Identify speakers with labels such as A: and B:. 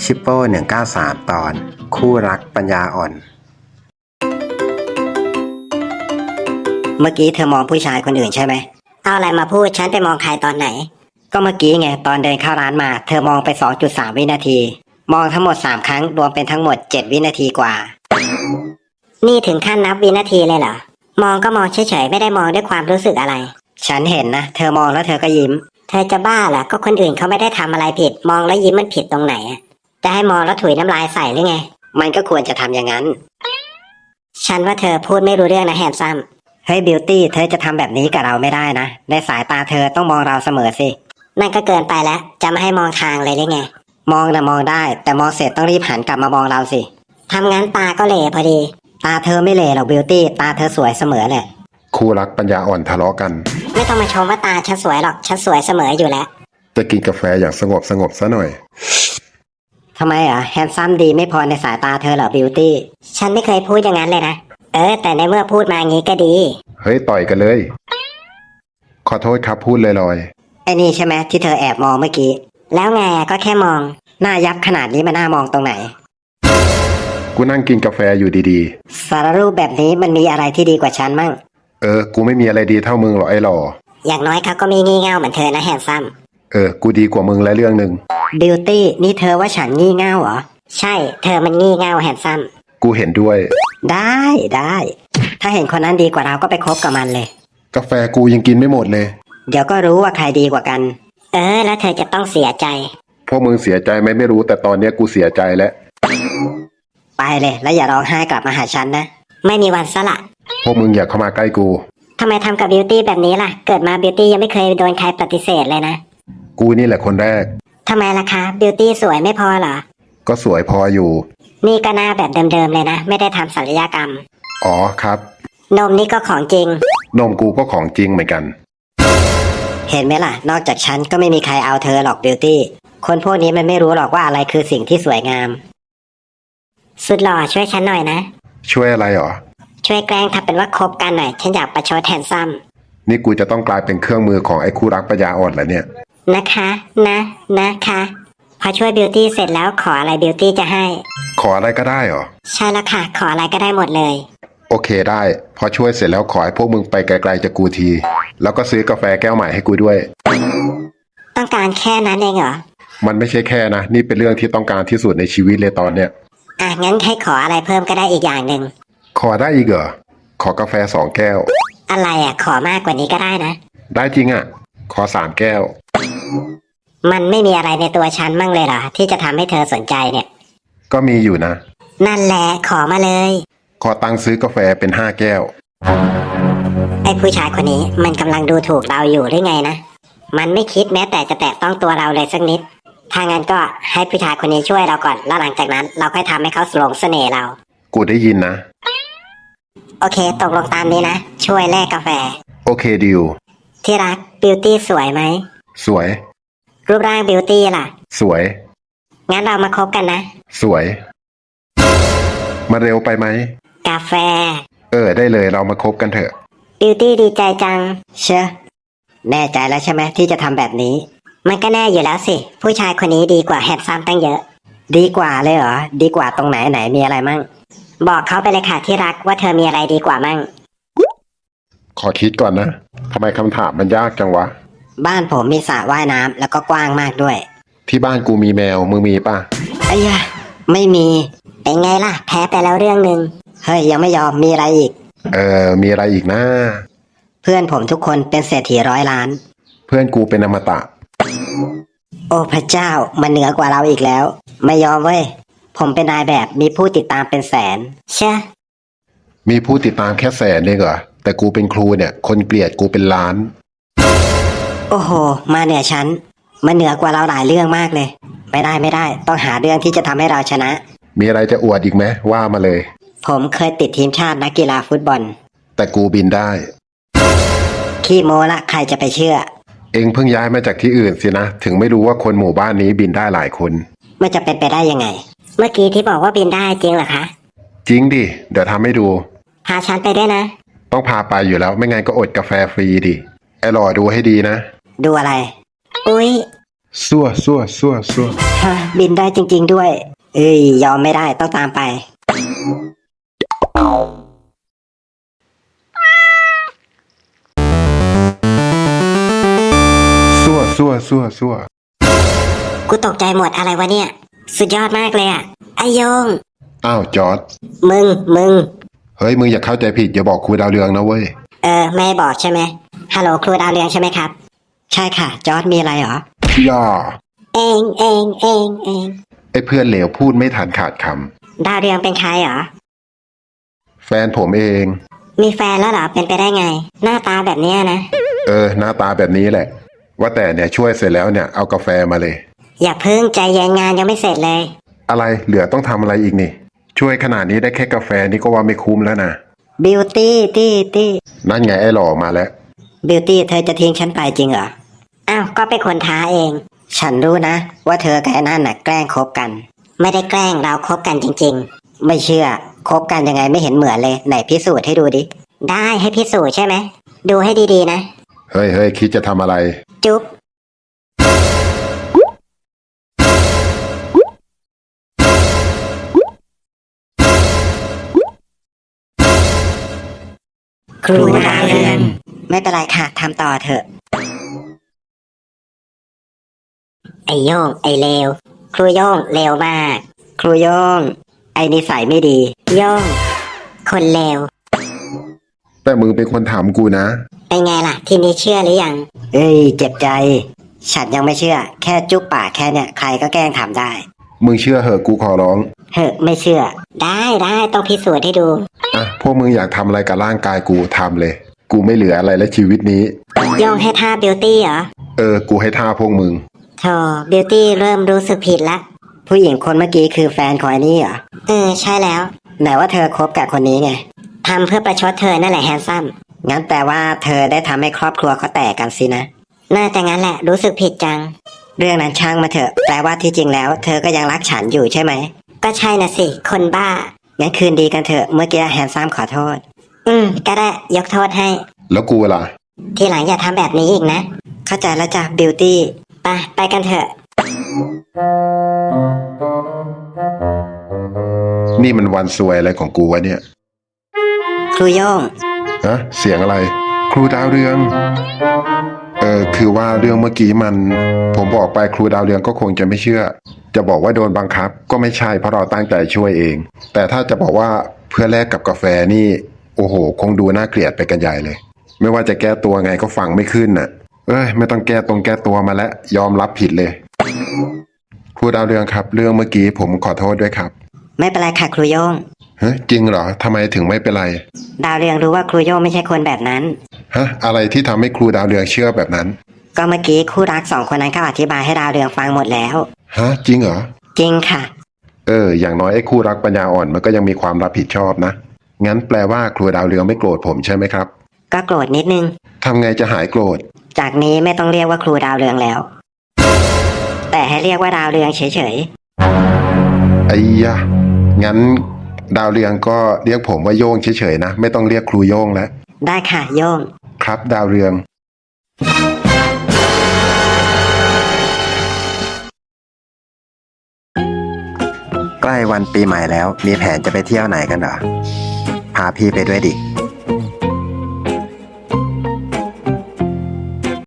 A: ชิปโป้193ตอนคู่รักปัญญาอ่อน
B: เมื่อกี้เธอมองผู้ชายคนอื่นใช่ไหมเอาอะไรมาพูดฉันไปมองใครตอนไหนก็เมื่อกี้ไงตอนเดินเข้าร้านมาเธอมองไป 2.3 วินาทีมองทั้งหมด3ครั้งรวมเป็นทั้งหมด7วินาทีกว่านี่ถึงขั้นนับวินาทีเลยเหรอมองก็มองเฉยๆไม่ได้มองด้วยความรู้สึกอะไรฉันเห็นนะเธอมองแล้วเธอก็ยิ้มเธอจะบ้าเหรอก็คนอื่นเขาไม่ได้ทำอะไรผิดมองแล้วยิ้มมันผิดตรงไหนอะจะให้มองแล้วถุยน้ำลายใส่หรือไงมันก็ควรจะทำอย่างนั้นฉันว่าเธอพูดไม่รู้เรื่องนะแฮนซัมเฮ้ยบิวตี้เธอจะทำแบบนี้กับเราไม่ได้นะในสายตาเธอต้องมองเราเสมอสินั่นก็เกินไปแล้วจะไม่ให้มองทางเลยได้ไงมองนะมองได้แต่มองเสร็จต้องรีบหันกลับมามองเราสิทำงั้นตาก็เหล่พอดีตาเธอไม่เหล่หรอกบิวตี้ตาเธอสวยเสมอแหละ
A: คู่รักปัญญาอ่อนทะเลาะกัน
B: ไม่ต้องมาชมว่าตาฉันสวยหรอกฉันสวยเสมออยู่แล้ว
A: จะกินกาแฟอย่างสงบซะหน่อย
B: ทำไมอ่ะแฮนซัมดีไม่พอในสายตาเธอเหรอบิวตี้ฉันไม่เคยพูดอย่างนั้นเลยนะแต่ในเมื่อพูดมางี้ก็ดี
A: เฮ้ยต่อยกันเลยขอโทษครับพูดลอย
B: ไอ้นี่ใช่ไหมที่เธอแอบมองเมื่อกี้แล้วไงก็แค่มองหน้ายับขนาดนี้มันน่ามองตรงไหน
A: กูนั่งกินกาแฟอยู่ดี
B: ๆสารรูปแบบนี้มันมีอะไรที่ดีกว่าฉันมั่ง
A: กูไม่มีอะไรดีเท่ามึงหรอกไอ้หล่อ
B: อย่างน้อยเขาก็มีงี่เง่าเหมือนเธอนะแฮนซัม
A: กูดีกว่ามึงและเรื่องหนึ่ง
B: บิวตี้นี่เธอว่าฉันงี่เง่าเหรอใช่เธอมันงี่เง่าแฮนซัม
A: กูเห็นด้วย
B: ได้ถ้าเห็นคนนั้นดีกว่าเราก็ไปคบกับมันเลย
A: กาแฟกูยังกินไม่หมดเลย
B: เดี๋ยวก็รู้ว่าใครดีกว่ากันแล้วเธอจะต้องเสียใจ
A: พวกมึงเสียใจไหมไม่รู้แต่ตอนนี้กูเสียใจแล้ว
B: ไปเลยแล้วอย่าร้องไห้กลับมาหาฉันนะไม่มีวันซะละ
A: พวกมึงอย่าเข้ามาใกล้กู
B: ทำไมทำกับบิวตี้แบบนี้ล่ะเกิดมาบิวตี้ยังไม่เคยโดนใครปฏิเสธเลยนะ
A: กูนี่แหละคนแรก
B: ทำไมล่ะคะบิวตี้สวยไม่พอเหรอ
A: ก็สวยพออยู่
B: นี่ก็หน้าแบบเดิมๆเลยนะไม่ได้ทำศัลยกรรม
A: อ๋อครับ
B: นมนี่ก็ของจริง
A: นมกูก็ของจริงเหมือนกัน
B: เห็นไหมล่ะนอกจากฉันก็ไม่มีใครเอาเธอหรอกบิวตี้คนพวกนี้มันไม่รู้หรอกว่าอะไรคือสิ่งที่สวยงามสุดหล่อช่วยฉันหน่อยนะ
A: ช่วยอะไรหรอ
B: ช่วยแกล้งทำเป็นว่าคบกันหน่อยฉันอยากประชดแฮนซัม
A: นี่กูจะต้องกลายเป็นเครื่องมือของไอ้คู่รักปัญญาอ่อนแล้วเนี่ย
B: นะคะนะคะพอช่วยบิวตี้เสร็จแล้วขออะไรบิวตี้จะให้
A: ขออะไรก็ได้หรอ
B: ใช่แล้วค่ะขออะไรก็ได้หมดเลย
A: โอเคได้พอช่วยเสร็จแล้วขอให้พวกมึงไปไกลๆจากกูทีแล้วก็ซื้อกาแฟแก้วใหม่ให้กูด้วย
B: ต้องการแค่นั้นเองเหรอ
A: มันไม่ใช่แค่นะนี่เป็นเรื่องที่ต้องการที่สุดในชีวิตเลยตอนเนี้ย
B: งั้นให้ขออะไรเพิ่มก็ได้อีกอย่างหนึ่ง
A: ขอได้อีกเหรอขอกาแฟ2 แก้ว
B: อะไรขอมากกว่านี้ก็ได้นะ
A: ได้จริงขอ3 แก้ว
B: มันไม่มีอะไรในตัวฉันมั่งเลยเหรอที่จะทำให้เธอสนใจเนี่ย
A: ก็มีอยู่นะ
B: นั่นแหละขอมาเลย
A: ขอตังค์ซื้อกาแฟเป็น5 แก้ว
B: ไอ้ผู้ชายคนนี้มันกำลังดูถูกเราอยู่หรือไงนะมันไม่คิดแม้แต่จะแตะต้องตัวเราเลยสักนิดถ้างั้นก็ให้ผู้ชายคนนี้ช่วยเราก่อนแล้วหลังจากนั้นเราค่อยทำให้เขาหลงเสน่ห์เรา
A: กูได้ยินนะ
B: โอเคตกลงตามนี้นะช่วยแลกกาแฟ
A: โอเคดิว
B: ที่รักบิวตี้สวยไหม
A: สวย
B: รูปร่างบิวตี้ล่ะ
A: สวย
B: งั้นเรามาคบกันนะ
A: สวยมาเร็วไปไหม
B: กาแฟ
A: ได้เลยเรามาคบกันเถอะ
B: บิวตี้ดีใจจังเชื่อแน่ใจแล้วใช่ไหมที่จะทำแบบนี้มันก็แน่อยู่แล้วสิผู้ชายคนนี้ดีกว่าแฮนซัมตั้งเยอะดีกว่าเลยเหรอดีกว่าตรงไหนมีอะไรมั่งบอกเขาไปเลยค่ะที่รักว่าเธอมีอะไรดีกว่ามั่ง
A: ขอคิดก่อนนะทำไมคำถามมันยากจังวะ
B: บ้านผมมีสระว่ายน้ำแล้วก็กว้างมากด้วย
A: ที่บ้านกูมีแมวมึงมีป่ะ
B: ไอ้ยะไม่มีเป็นไงล่ะแพ้ไปแล้วเรื่องนึงเฮ้ยยังไม่ยอมมีอะไรอีก
A: มีอะไรอีกนะ
B: เพื่อนผมทุกคนเป็นเศรษฐี100 ล้าน
A: เพื่อนกูเป็นอมตะ
B: โอ้พระเจ้ามันเหนือกว่าเราอีกแล้วไม่ยอมเว้ยผมเป็นนายแบบมีผู้ติดตามเป็นแสนใช่
A: มีผู้ติดตามแค่100,000เองเหรอแต่กูเป็นครูเนี่ยคนเกลียดกูเป็นล้าน
B: โอ้โหมาเหนือชั้นมันเหนือกว่าเราหลายเรื่องมากเลยไม่ได้ต้องหาเรื่องที่จะทำให้เราชนะ
A: มีอะไรจะอวดอีกไหมว่ามาเลย
B: ผมเคยติดทีมชาตินักกีฬาฟุตบอล
A: แต่กูบินได้
B: ขี้โม้ละใครจะไปเชื่อ
A: เอ็งเพิ่งย้ายมาจากที่อื่นสินะถึงไม่รู้ว่าคนหมู่บ้านนี้บินได้หลายคน
B: มันจะเป็นไปได้ยังไงเมื่อกี้ที่บอกว่าบินได้จริงเหรอคะ
A: จริงดิเดี๋ยวทำให้ดู
B: พาฉันไปด้วยนะ
A: ต้องพาไปอยู่แล้วไม่งั้นก็อดกาแฟฟรีดิไอ้หล่อดูให้ดีนะ
B: ดูอะไรอุ๊ย
A: ซั่ว
B: ฮะบินได้จริงๆด้วย เอ้ยยอมไม่ได้ต้องตามไป
A: ซั่ว
B: กูตกใจหมดอะไรวะเนี่ย สุดยอดมากเลยอะไอโยง
A: อ้าวจอร์ด
B: มึง
A: เฮ้ยมึงอย่าเข้าใจผิดอย่าบอกครูดาวเรืองนะเว้ย
B: ไม่บอกใช่ไหมฮัลโหลครูดาวเรืองใช่ไหมครับ ใช่ค่ะ จอร์ดมีอะไรเหรอ
A: ย่า
B: เอง
A: ไอ้เพื่อนเหลวพูดไม่ทันขาดค
B: ดาวเรืองเป็นใครเหรอ
A: ำแฟนผมเอง
B: มีแฟนแล้วเหรอ เป็นไปได้ไง หน้าตาแบบเนี้ยนะ
A: หน้าตาแบบนี้แหละ ว่าแต่เนี่ยช่วยเสร็จแล้วเนี่ยเอากาแฟมาเลย
B: อย่าเพิ่งใจเย็นงานยังไม่เสร็จเลย
A: อะไรเหลือต้องทำอะไรอีกนี่ ช่วยขนาดนี้ได้แค่กาแฟนี่ก็ว่าไม่คุ้มแล้วนะ
B: บิวตี้ตี้
A: นั่นไงไอ้หล่อมาแล้ว
B: บิวตี้เธอจะทิ้งฉันไปจริงเหรอ อ้าวก็เป็นคนท้าเอง ฉันรู้นะว่าเธอกับไอ้นั่นน่ะแกล้งคบกัน ไม่ได้แกล้งเราคบกันจริงๆ ไม่เชื่อคบกันยังไงไม่เห็นเหมือนเลยไหนพิสูจน์ให้ดูดิ ได้ให้พิสูจน์ใช่ไหม ดูให้ดีๆนะ
A: เฮ้ยคิดจะทำอะไร
B: จุ๊บครูดาวเรืองไม่เป็นไรค่ะทำต่อเถอะ ไอโย่งไอเลวครูโย่งเลวมาก ครูโย่งไอนิสัยไม่ดี โย่งคนเลว
A: แต่มึงเป็นคนถามกูนะ
B: เป็นไงล่ะ ทีนี้เชื่อหรือยัง เอ้ยเจ็บใจ ฉันยังไม่เชื่อ แค่จุ๊บปากแค่เนี่ยใครก็แกล้งทำได้
A: มึงเชื่อเหอะกูขอร้อง
B: เฮ้ไม่เชื่อ ได้ต้องพิสูจน์ให้ดู
A: อ่ะพวกมึงอยากทำอะไรกับร่างกายกูทำเลย กูไม่เหลืออะไรแล้วชีวิตนี้
B: โย่งให้ท่าบิวตี้เหรอ
A: กูให้ท่าพวกมึง
B: โธ่บิวตี้เริ่มรู้สึกผิดละ ผู้หญิงคนเมื่อกี้คือแฟนของไอ้นี่เหรอ ใช่แล้ว ไหนว่าเธอคบกับคนนี้ไงทำเพื่อประชดเธอนั่นแหละแฮนซัมงั้นแปลว่าเธอได้ทำให้ครอบครัวเขาแตกกันสินะ น่าจะงั้นแหละรู้สึกผิดจัง เรื่องนั้นช่างมาเถอะ แปลว่าที่จริงแล้ว เธอก็ยังรักฉันอยู่ใช่ไหม ก็ใช่นะสิ คนบ้า งั้นคืนดีกันเถอะ เมื่อกี้แฮนซัมขอโทษ ก็ได้ยกโทษให้
A: แล้วกูล่ะ
B: ทีหลังอย่าทำแบบนี้อีกนะ เข้าใจแล้วจ้ะบิวตี้ไปกันเถอะ
A: นี่มันวันซวยอะไรของกูวะเนี่ย
B: ครูโย่ง
A: ฮะเสียงอะไร ครูดาวเรือง คือว่าเรื่องเมื่อกี้ผมบอกไปครูดาวเรืองก็คงจะไม่เชื่อ จะบอกว่าโดนบังคับก็ไม่ใช่เพราะเราตั้งใจช่วยเอง แต่ถ้าจะบอกว่าเพื่อแลกกับกาแฟนี่ โอ้โห คงดูน่าเกลียดไปกันใหญ่เลย ไม่ว่าจะแก้ตัวไงก็ฟังไม่ขึ้นน่ะ ไม่ต้องแก้ตัวมาแล้วยอมรับผิดเลย ครูดาวเรืองครับ เรื่องเมื่อกี้ผมขอโทษด้วยครับ
B: ไม่เป็นไรค่ะครูโย่ง
A: ฮะจริงเหรอทำไมถึงไม่เป็นไร
B: ดาวเรืองรู้ว่าครูโย่งไม่ใช่คนแบบนั้น
A: ฮะอะไรที่ทำให้ครูดาวเรืองเชื่อแบบนั้น
B: ก็เมื่อกี้คู่รักสองคนนั้นเขาอธิบายให้ดาวเรืองฟังหมดแล้ว
A: ฮะจริงเหรอ
B: จริงค่ะ
A: อย่างน้อยไอ้คู่รักปัญญาอ่อนมันก็ยังมีความรับผิดชอบนะ งั้นแปลว่าครูดาวเรืองไม่โกรธผมใช่ไหมครับ
B: ก็โกรธนิดนึง
A: ทำไงจะหายโกรธ
B: จากนี้ไม่ต้องเรียกว่าครูดาวเรืองแล้ว แต่ให้เรียกว่าดาวเรืองเฉย
A: ไอ้ยะงั้นดาวเรืองก็เรียกผมว่าโย่งเฉยๆนะไม่ต้องเรียกครูโย่งแล้ว
B: ๆ ได้ค่ะโย่ง
A: ครับดาวเรือง
C: ใกล้วันปีใหม่แล้วมีแผนจะไปเที่ยวไหนกันเหรอ พาพี่ไปด้วยดิ